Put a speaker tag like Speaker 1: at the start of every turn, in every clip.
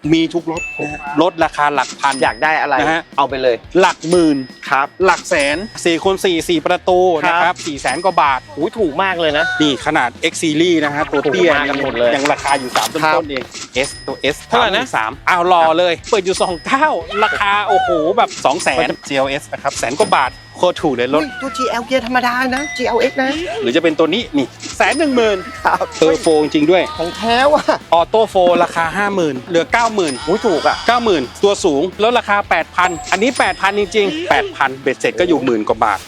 Speaker 1: มีทุกรถรถราคาหลักพัน
Speaker 2: อยากได้อะไร
Speaker 1: นะฮะ
Speaker 2: เอาไปเลย
Speaker 1: หลักหมื่น
Speaker 2: ครับ
Speaker 1: หลักแสน4x4 ประตูนะครับ400,000 กว่าบาท
Speaker 2: ถูกมากเลยนะ
Speaker 1: นี่ขนาด X Series นะฮะตัวเตี้ย
Speaker 2: กันหมดเลย
Speaker 1: ยังราคาอยู่3ต้นๆเอง S ตัว S
Speaker 2: เท่าไหร่นะ
Speaker 1: 3อ้าวรอเลยเปิดอยู่29ราคาโอ้โหแบบ200,000 GLS นะครับ100,000 กว่าบาทโคตรถูกเลยรถ
Speaker 2: ตัว GL เกียร์ธรรมดานะ GLX นะ
Speaker 1: หรือจะเป็นตัวนี้นี่110,000
Speaker 2: ครับ
Speaker 1: เทอร์โฟจริงด้วย
Speaker 2: ของแท้ว่ะ
Speaker 1: ออโต้โฟราคา 50,000 เหลือ 90,000
Speaker 2: ถูกอ่ะ
Speaker 1: 90,000ตัวสูงลดราคา 8,000 อันนี้ 8,000 จริงๆ 8,000 เบ็ดเสร็จก็อยู่หมื่นกว่าบาท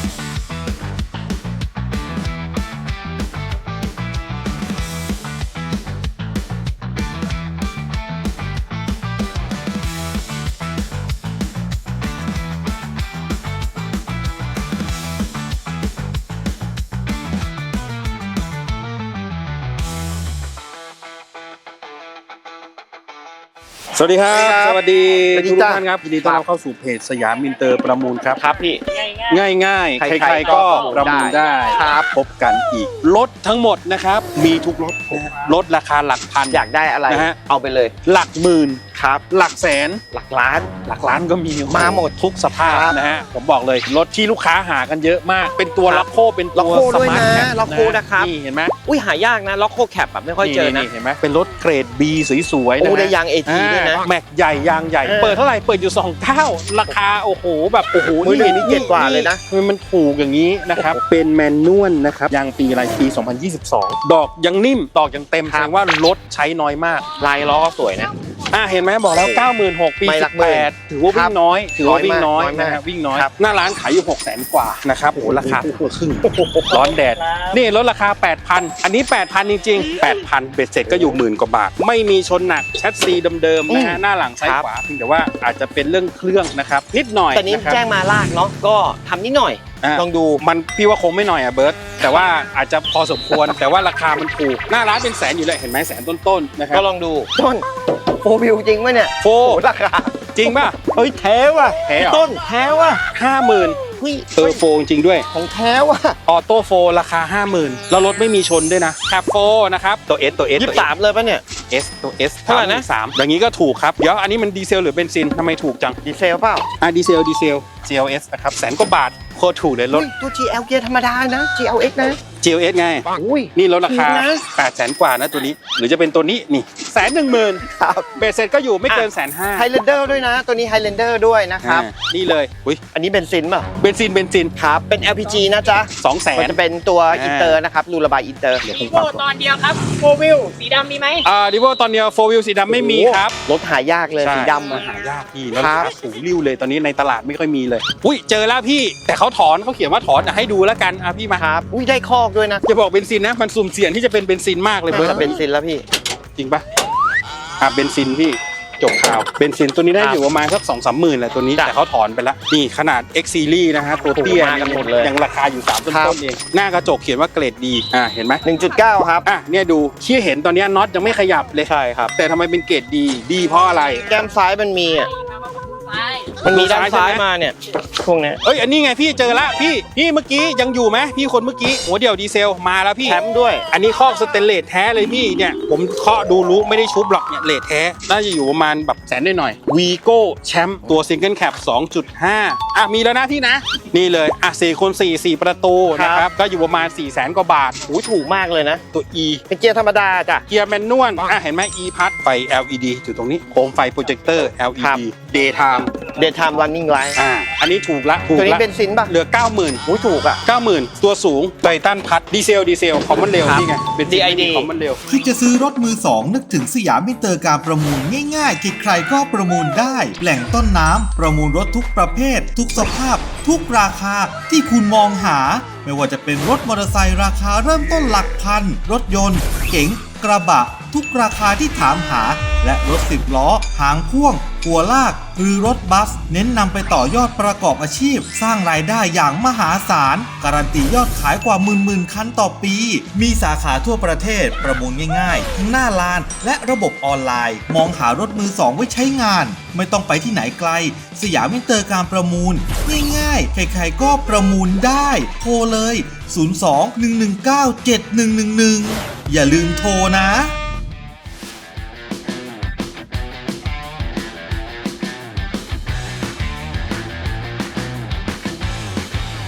Speaker 1: สวัสดีครับสวัสดีทุกท่านครับยินดีต้อนรับเข้าสู่เพจสยามอินเตอร์ประมูลครับ
Speaker 2: ครับพี่
Speaker 1: ง่ายใครๆก็ประมูลได้
Speaker 2: ครับ
Speaker 1: พบกันอีกรถทั้งหมดนะครับมีทุกรถรถราคาหลักพัน
Speaker 2: อยากได้อะไรเอาไปเลย
Speaker 1: หลักหมื่น
Speaker 2: ครับ
Speaker 1: หลักแสน
Speaker 2: หลักล้าน
Speaker 1: ก็มี
Speaker 2: มาหมด
Speaker 1: ทุกสภาพนะฮะผมบอกเลยรถที่ลูกค้าหากันเยอะมากเป็นตัวล็อกโคเป็นตัวสมาร์ทแคป
Speaker 2: ล็อกโคนะครับ
Speaker 1: นี่เห็นไหม
Speaker 2: หายากนะล็อกโคแคปแบบไม่ค่อยเจอนะ
Speaker 1: เห็นไหมเป็นรถเกรด B สวยๆนะ
Speaker 2: ได้ยาง AT ด้วยนะ
Speaker 1: แม็กใหญ่ยางใหญ่เปิดเท่าไหร่เปิดอยู่29ราคาโอ้โหแบบโอ้โห
Speaker 2: นี่7กว่าเลยนะ
Speaker 1: มันถูกอย่างนี้นะครับเป็นแมนนวลนะครับยางปีอะไรปี2022ดอกยังนิ่มดอกยังเต็มแสดงว่ารถใช้น้อยมาก
Speaker 2: ลายล้อสวยนะ
Speaker 1: เห็นไหมบอกแล้ว 96,000 ปี18ถือว่าวิ่งน้อยนะครับวิ่งน้อยหน้าร้านขายอยู่600,000 กว่านะครับโอ้โหราคาครึ่งร้อนแดดนี่ลดราคา 8,000 อันนี้ 8,000 จริงๆ 8,000 เบ็ดเสร็จก็อยู่หมื่นกว่าบาทไม่มีชนหนักแชสซีเดิมๆนะฮะหน้าหลังซ้ายขวาเพียงแต่ว่าอาจจะเป็นเรื่องเครื่องนะครับนิดหน่อย
Speaker 2: แต่นี้แจ้งมาลากเนาะก็ทำนิดหน่อยลองดู
Speaker 1: มันพี่ว่าคงไม่หน่อยเบิร์ตแต่ว่าอาจจะพอสมควรแต่ว่าราคามันถูกหน้าร้านเป็นแสนอยู่เลยเห็นไหมแสนต้นๆนะครับ
Speaker 2: ก็ลองดูต้นโฟวิวจริงไหมเนี่ย
Speaker 1: โฟ
Speaker 2: ราคา
Speaker 1: จริงป่ะ
Speaker 2: แท้ว่ะต้นแท้ว่ะ
Speaker 1: 50,000เทอร์โฟจริงด้วย
Speaker 2: ของแท้ว่ะ
Speaker 1: ออโต้โฟราคา 50,000แล้วรถไม่มีชนด้วยนะแคปโฟนะครับตัว S
Speaker 2: 23เลยป่ะเนี่ย
Speaker 1: S ตัว S เท่าไหร่นะ3อย่างนี้ก็ถูกครับเดี๋ยวอันนี้มันดีเซลหรือเบนซินทำไมถูกจัง
Speaker 2: ดีเซลเปล่า
Speaker 1: ดีเซล GLS นะครับ100,000 กว่าบาทโคตรถูกเลยรถ
Speaker 2: ตัว GL เกียร์ธรรมดานะ GLX นะ
Speaker 1: GLS ไงนี่ลดราคา 800,000 กว่านะตัวนี้หรือจะเป็นตัวนี้นี่110,000
Speaker 2: ครับ
Speaker 1: เบสเซ็ตก็อยู่ไม่เกิน150,000
Speaker 2: ไฮแลนเดอร์ด้วยนะตัวนี้ไฮแลนเดอร์ด้วยนะครับ
Speaker 1: นี่เลย
Speaker 2: อันนี้เบนซินป่ะ
Speaker 1: เบนซิน
Speaker 2: ครับเป็น LPG นะจ๊ะ
Speaker 1: 200,000
Speaker 2: มันจะเป็นตัวอินเตอร์นะครับรูระบายอินเตอร์
Speaker 3: ดิโวตอนเดียวครับโฟวิลสีดำมีไหม
Speaker 1: ดิโวตอนเดียวโฟวิลสีดำไม่มีครับ
Speaker 2: รถหายากเลยสีดำ
Speaker 1: หายากพี่แล้วราคาสูงริ้วเลยตอนนี้ในตลาดไม่ค่อยมีเลยเจอแล้วพี่แต่เขาเขียนว่าถอนให้ดูแล้วกันพี่มา
Speaker 2: ครับได้คอกด้วยนะ
Speaker 1: จะบอกเบนซินนะมันสุ่มเสี่ยงที่จะเป็นเบนซินมากเลยเบิร์ต
Speaker 2: เบนซินแล้วพี่
Speaker 1: จริงปะเบนซินพี่จบข่าวเบนซินตัวนี้ได้อยู่ประมาณสัก 2-3 หมื่นแหละตัวนี้แต่เขาถอนไปแล้วนี่ขนาด X Series นะฮะตัวเตี้ย
Speaker 2: กันหมดเลย
Speaker 1: ยังราคาอยู่3ต้นๆเองหน้ากระจกเขียนว่าเกรดดีเห็นไหม
Speaker 2: 1.9 ครับ
Speaker 1: เนี่ยดูที่เห็นตอนนี้น็อตยังไม่ขยับเลย
Speaker 2: ใช่ครับ
Speaker 1: แต่ทำไมเป็นเกรดดีเพราะอะไร
Speaker 2: แก้มซ้ายมันมีด้านซ้ายมาเนี่ยพวกนี้
Speaker 1: อันนี้ไงพี่เจอละพี่เมื่อกี้ยังอยู่ไหมพี่คนเมื่อกี้หัวเดี่ยวดีเซลมาแล้วพี่
Speaker 2: แชมป์ด้วย
Speaker 1: อันนี้คอกสเตนเลสแท้เลยพี่เนี่ยผมเคาะดูรู้ไม่ได้ชุบหรอกเนี่ยเลสแท้น่าจะอยู่ประมาณแบบแสนได้หน่อยวีโก้แชมป์ตัวซิงเกิลแคป 2.5 มีแล้วนะพี่นะนี่เลย4x4 4 ประตูนะครับก็อยู่ประมาณ400,000 กว่าบาท
Speaker 2: ถูกมากเลยนะ
Speaker 1: ตัว E
Speaker 2: เป็นเกียร์ธรรมดาจ้ะ
Speaker 1: เกียร์แมนนวลเห็นไหม E พัดไฟ LED อยู่ตรงนี้โคมไฟโปรเจคเตอร์ LED Daytime
Speaker 2: running light
Speaker 1: อันนี้ถูกละ
Speaker 2: ตัวนี้เบนซินป่ะ
Speaker 1: เหลือ 90,000
Speaker 2: ถูก
Speaker 1: 90,000ตัวสูงไททันพัดดีเซลคอมมอนเรลนี่ไงเป็น
Speaker 2: DID
Speaker 1: คอมมอนเรล
Speaker 4: ที่จะซื้อรถมือสองนึกถึงสยามอินเตอร์การประมูลง่ายๆใครๆก็ประมูลได้แหล่งต้นน้ำประมูลรถทุกประเภททุกสภาพทุกราคาที่คุณมองหาไม่ว่าจะเป็นรถมอเตอร์ไซค์ราคาเริ่มต้นหลักพันรถยนต์เก๋งกระบะทุกราคาที่ถามหาและรถ10 ล้อหางพ่วงหัวลากหรือรถบัสเน้นนำไปต่อยอดประกอบอาชีพสร้างรายได้อย่างมหาศาลการันตียอดขายกว่าหมื่นคันต่อปีมีสาขาทั่วประเทศประมูลง่ายๆทั้งหน้าลานและระบบออนไลน์มองหารถมือสองไว้ใช้งานไม่ต้องไปที่ไหนไกลสยามอินเตอร์การประมูลง่ายๆใครๆก็ประมูลได้โทรเลย02-119-7111อย่าลืมโทรนะ